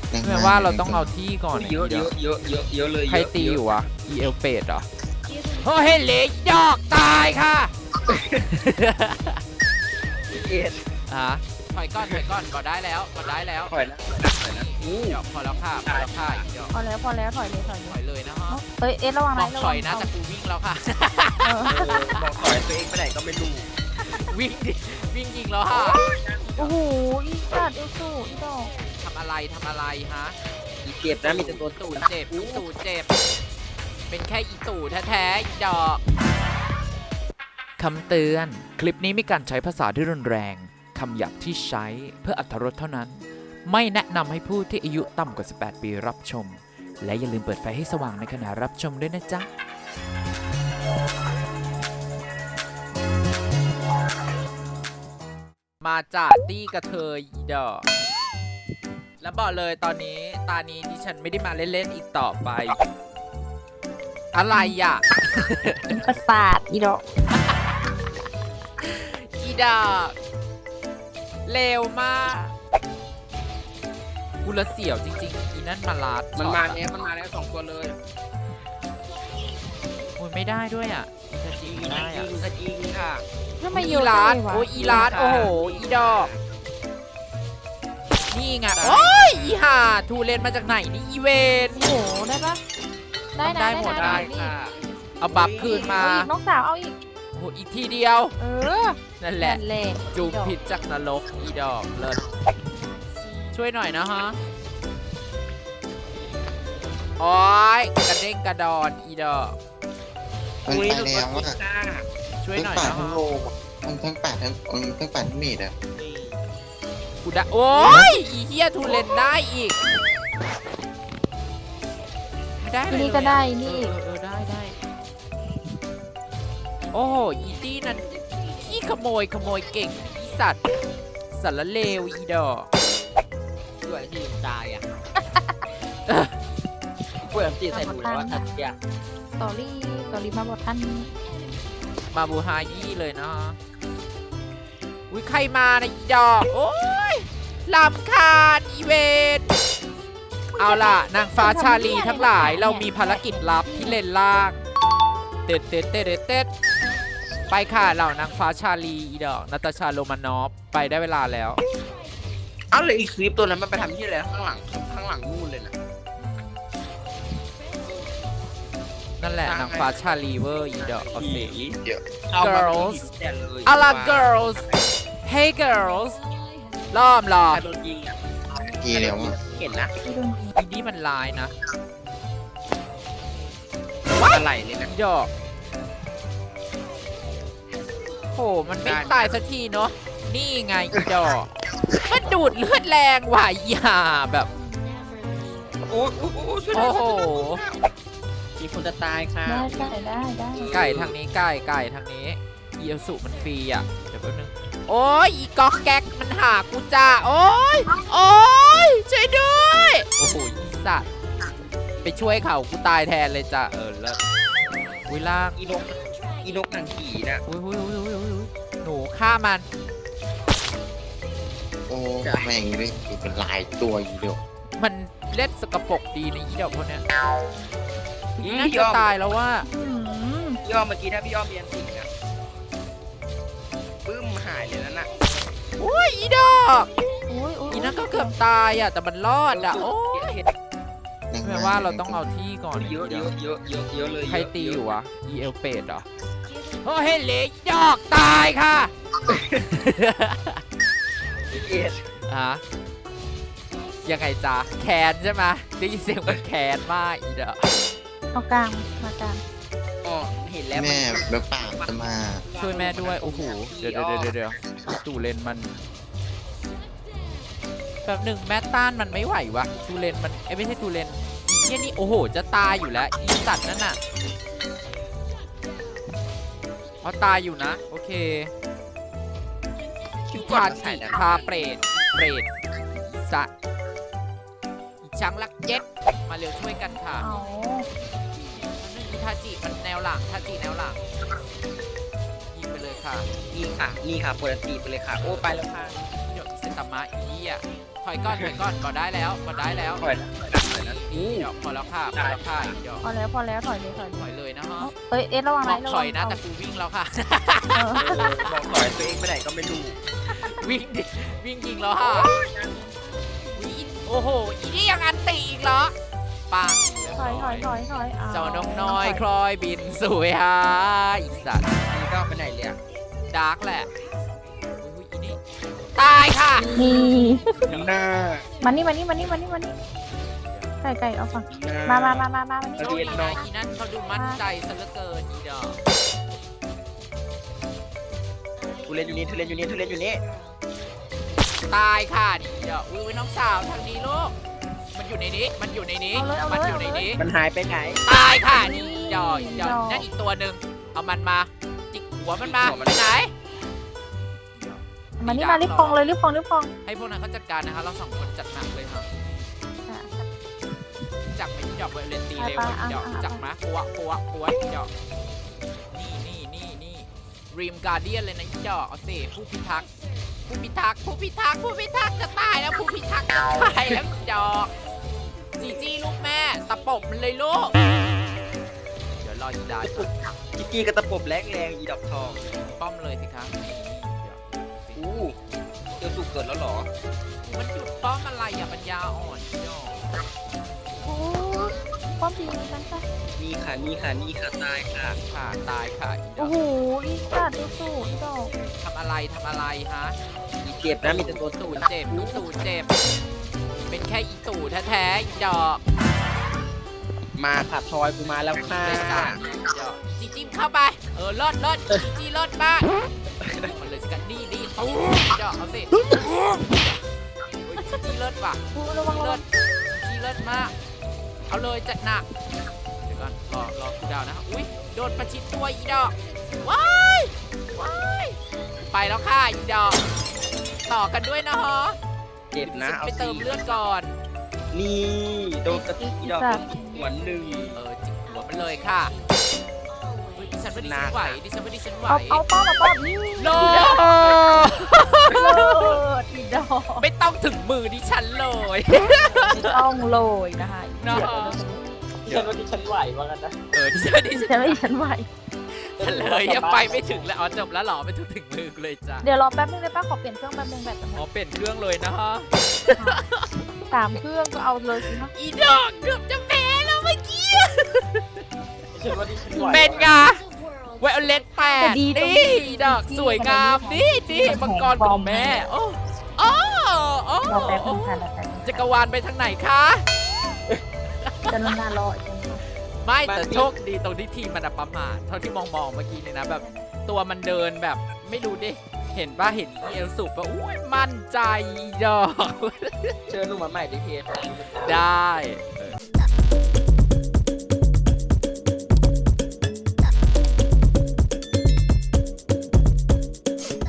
แปลว่าเราต้องเอาที่ก่อนเยอะเยอะเยอะเยอะเยอะเลยใครตีอยู่วะอีเอลเปดเหรอโอ้เฮเลดอกตายค่ะเอ็ดถอยก่อนก็ได้แล้วถอยนะถอยนะเดี๋ยวพอแล้วค่ะเดี๋ยวพอแล้วถอยเลยถอยเลยนะฮะเอ้ยระวังมนะองถอยนะแต่กูวิ่งแล้วค่ะบอกถอยตัวเองไปไหนก็ไม่รู้วิ่งดิวิ่งยิงแล้วค่ะโอ้โหอีสัตว์เอลสูอีดอกทำอะไรฮะอีเจ็บนะมีแต่ตัวตู่เจ็บเป็นแค่อีตู่แท้ๆอีดอกคำเตือนคลิปนี้มีการใช้ภาษาที่รุนแรงคำหยาบที่ใช้เพื่ออรรถรสเท่านั้นไม่แนะนำให้ผู้ที่อายุต่ำกว่า 18 ปีรับชมและอย่าลืมเปิดไฟให้สว่างในขณะรับชมด้วยนะจ๊ะมาจากตี้กระเทยอีดอกแล้วบอกเลยตอนนี้ตานี้ดิฉันไม่ได้มาเล่นๆอีกต่อไปอะไรอ่ะประสาทอีดอกอีดอกเร็วมากกูละเสี่ยวจริงๆอีนั่นมาลาดมันมาแล้วสองตัวเลยโอ้ยไม่ได้ด้วยอ่ะจะจริงได้อ่ะสกิงค่ะทำไมอีเยอะลาดจังเลยวะโอ้ยอีลาดโอ้โหอีดอกนี่ไงโอ้ยอีห่าทูเลนมาจากไหนนี่อีเวนโอ้โหได้ปะได้นะได้หมดได้นี่ค่ะเอาบัฟคืนมาเอาอีกน้องสาวเอาอีกโอ้โหอีกทีเดียวเออนั่นแหละนั่นแหละจูบผิดจากนรกอีดอกเลิศช่วยหน่อยนะฮะโอ้ยกระเด้งกระดอนอีดอกมันไปแล้วอะช่วยทั้งหน่อยป่านะทั้ฮะงโลอะทั้งป่าทั้งป่าทั้งเมดอะกูได้โอ้ยอีเฮียทูเลนได้อีกไม่ได้เลยนี่ก็ได้นี่ได้โอ้โหอีตี้นั้นขี้ขโมยเก่งอีสัตว์สารเลวอีดอกด้วยที่ตายอ่ะเปิดตีใส่ดูแล้วว่าทัดยาสตอรี่มาบอกท่านมาบูฮายี่เลยนะอุ้ยใครมานะอีดอกโอ้ยลำคาญอีเวนเอาล่ะนางฟ้าชาลีทั้งหลายเรามีภารกิจลับที่เลนล่างเต็ดไปค่ะเหล่านางฟ้าชาลีอีดอกนาตาชาโรมานอฟไปได้เวลาแล้วเอาเลยอีกคลิปตัวนั้นมันไปทำที่อะไรข้างหลังนู่นเลยนะนั่นแหละนางฟ้าชาลีเวอร์อีดอกเอาสิเดี๋ยวเอามา Girls แต่เลยเอาล่ะ girls hey girls ล้อมใครโดนยิงอ่ะทีเดียวอะเห็นนะที่โดนอีนี่มันลายนะอะไรเลยนะดอกโหมันไม่ตายสักทีเนาะนี่ไงอีดอกมันดูดเลือดแรงว่ะอีห่าแบบโอ้ช่วยโอ้โหมีคนจะตายค่ะได้ไก่ทางนี้ไก่ทางนี้อีเอลสุมันฟรีอ่ะเดี๋ยวแป๊บนึงโอ้ยอีก๊อกแก๊กมันหากูจ้าโอ้ยช่วยด้วยโอ้โหอีสัตว์ไปช่วยเขากูตายแทนเลยจ้ะเลิศวิล่างอีนกนางผีน่ะอุ้ยหนูฆ่ามันโอ้แม่งเลยเป็นลายตัวอยู่เดียวมันเล่นสกปรกดีในะอีเดอกคนเนี้ยน่าจะตายแล้วว่าพี่อ้อมเมื่อกี้ถ้าพี่อ้อมเรียนสิงอ่ะปึ้มหายเลยนั่นน่ะอุ้ยอีดอกอุ้ยอีนั่นก็เกือบตายอ่ะแต่มันรอดอ่ะโอ้ยแปลว่าเราต้องเอาที่ก่อนเยอะเลยใครตีอยู่วะอีเอลเปดเหรอโอ้เฮเลดอกตายค่ะเอ็ดยังไงจ๊ะแคนใช่ไหมได้ยินเสียงมันแคนมากอีดอกเอากลางมากลางอ๋อเห็นแล้วแม่แล้วป่าจะมาช่วยแม่ด้วยโอ้โหเดี๋ยวตูเลนมันแบบหนึ่งแม่ต้านมันไม่ไหววะตูเลนมันไม่ใช่ตูเลนอีเหี้ยนี่โอ้โหจะตายอยู่แล้วอีสัตว์นั่นน่ะเอาตายอยู่นะโอเคพาจิพาเปรตอีสัตว์อีช้างลักเจ็ดมาเร็วช่วยกันค่ะเอาอีทาจิมันแนวหลังทาจิแนวหลังยิงไปเลยค่ะนี่ค่ะเปิดตีไปเลยค่ะโอ้ไปแล้วค่ะเดี๋ยวอิเซตามะอีอ่ะถอยก่อนก็ได้แล้วก็ได้แล้วถอยนะเดี๋ยวพอแล้วค่ะพอแล้วค่ะเดี๋ยวพอแล้วถอยเลยถอยเลยนะฮะเอ้ยเอ็ดระวังบไรอกถอยนะแต่กูวิ่งแล้วค่ะเออบอกถอยตัวเองไปไหนก็ไม่รู้วิ่งดิวิ่งยิงแล้วค่ะวิ่งโอ้โหอีนี่ยังอันตีอีกเหรอปังถอยอ้วเจ้านกน้อยคลอยบินสวยฮะอีสัตว์นี่ก็ไปไหนเลยอะดาร์กแหละอุ้ยอีนี่ตายค่ะนี่หน้ามานี่ไก่เอาฝั่งมานี่โชคดีนะอีนั่นเขาดูมั่นใจซะเหลือเกินอีดอกทุเรียนอยู่นี่ตายค่ะนี่เดี๋ยวอุ้ยน้องสาวทางนี้ลูกมันอยู่ในนี้มันอยู่ในนี้เอาเลยมันอยู่ในนี้มันหายไปไหนตายค่ะนี่เดี๋ยวนั่นอีกตัวหนึ่งเอามันมาจิกหัวมันมาไปไหนมานี่มารีบคลองเลยรีบคลองให้พวกนั้นเขาจัดการนะคะเราสองคนจัดหนักเลยค่ะจับไปที่ดอกไวโอเลนตีเร็วเดี๋ยวจับมาปัวเดี๋ยวนี่รีมการเดียนเลยนะเดี๋ยวเอาสิผู้พิทักษ์จะตายแล้วผู้พิทักษ์จะตายแล้วเดี๋ยวจีลูกแม่ตะปบมันเลยลูกเดี๋ยวรออีดาจิกกี้กระตะปบแรงอีดอกทองป้อมเลยสิคะนี่เดี๋ยวเจอสุกเกิดแล้วเหรอมันหยุดป้อมอะไรอ่ะปัญญาอ่อนเดี๋ยวโอ้ป้อมดีนั่นค่ะนี่ค่ะตายค่ะค่ะตายค่ะอีดโอ้อกโหอีสัตว์สู้อีดอกทำอะไรฮะมีเจ็บนะมีแต่ตัวตูตูดดเจ็บลูกตูดเจ็บเป็นแค่อีตู่แท้ๆอีดอกมาค่ะทอยกูมาแล้วค่ะเล่นกันอีดอกจีจิ้มเข้าไปเลิศจีเลิศมากมันเลยสิกันดีตู้อีดอกเอาสิจีเลิศว่ะระวังเลิศจีเลิศมากเอาเลยจัดหนักเดี๋ยวก่อนรอคูดาวนะครับอุ้ยโดนประชิดตัวอีดอกว้ายไปแล้วค่ะอีดอกต่อกันด้วยนะฮะเจ็บนะเอาไปเติมเลือดก่อนนี่โดนกระตุกอีดอกหัวหนึ่งจิกหัวมันเลยค่ะดิฉันว่าดิฉันไหวเอาป้อมนี่โลอีดอกไม่ต้องถึงมือดิฉันเลยต้องโรยนะคะเนาะฉันว่าที่ฉันไหวว่ากันนะดิฉันไหวฉันเลยยังไปไม่ถึงแล้วจบแล้วหรอไม่ถึงมือเลยจ้ะเดี๋ยวรอแป๊บนึงได้ป้าขอเปลี่ยนเครื่องแป๊บนึงแบตจะหมดเปลี่ยนเครื่องเลยนะฮะ 3 เครื่องก็เอาเลยสินะอีดอกเกือบจะแพ้แล้วเมื่อกี้ฉันว่าที่ฉันไหวเป็นไงไวโอเลตแปดนี่ดอกสวยงามนี่มังกรของแม่โอ้รอแป๊บนึงค่ะรอแป๊บนึงจักรวาลไปทางไหนคะจะนานรออีกไม่แต่โชคดีตรงที่ทีมมันประมาทเท่าที่มองเมื่อกี้เนี่ยนะแบบตัวมันเดินแบบไม่รู้ดิเห็นเอลสุปะอุ้ยมั่นใจดอกเชิญหนูมาใหม่ดิเพจได้